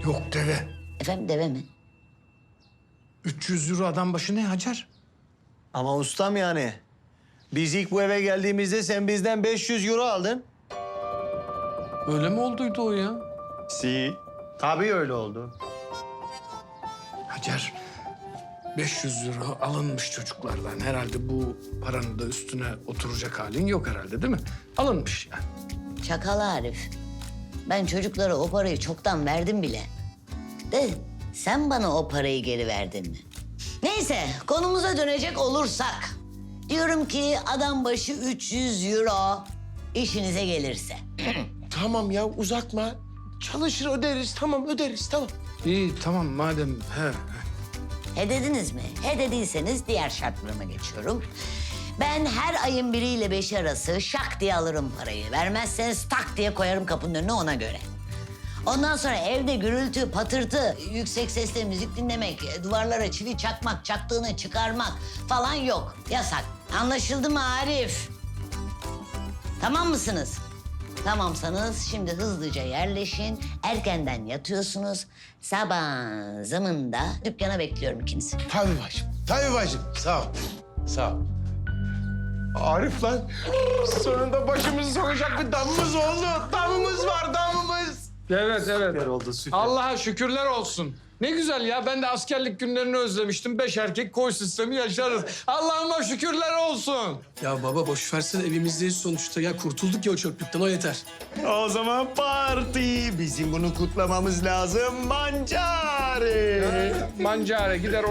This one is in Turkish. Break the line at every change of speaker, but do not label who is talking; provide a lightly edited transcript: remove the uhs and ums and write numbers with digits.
Yok deve.
Efendim deve mi?
300 euro adam başı ne Hacer?
Ama ustam yani. Biz ilk bu eve geldiğimizde sen bizden 500 euro aldın.
Öyle mi olduydu o ya?
Si. Tabii öyle oldu.
Hacer, 500 euro alınmış çocuklardan. Herhalde bu paranın da üstüne oturacak halin yok herhalde değil mi? Alınmış yani.
Çakal Arif. Ben çocuklara o parayı çoktan verdim bile. De sen bana o parayı geri verdin mi? Neyse konumuza dönecek olursak. Diyorum ki adam başı 300 euro işinize gelirse.
Tamam ya uzatma. Çalışır öderiz tamam öderiz tamam.
İyi tamam madem he.
He dediniz mi? He dediyseniz diğer şartlarıma geçiyorum. Ben her ayın 1 ile 5 arası şak diye alırım parayı. Vermezseniz tak diye koyarım kapının önüne ona göre. Ondan sonra evde gürültü, patırtı, yüksek sesle müzik dinlemek, duvarlara çivi çakmak, çaktığını çıkarmak falan yok. Yasak. Anlaşıldı mı Arif? Tamam mısınız? Tamamsanız şimdi hızlıca yerleşin. Erkenden yatıyorsunuz. Sabah zamında dükkana bekliyorum ikinizi.
Tabii bacım. Tabii bacım. Sağ ol. Sağ ol. Arif lan. Sonunda başımızı sokacak bir damımız oldu. Damımız var damımız.
Evet, evet.
Süper oldu süper.
Allah'a şükürler olsun. Ne güzel ya. Ben de askerlik günlerini özlemiştim. 5 erkek koy sistemi yaşarız. Allah'ıma şükürler olsun.
Ya baba boş versene evimizdeyiz sonuçta. Ya kurtulduk ya o çöplükten o yeter.
O zaman parti. Bizim bunu kutlamamız lazım. Mancari.
Mancare gider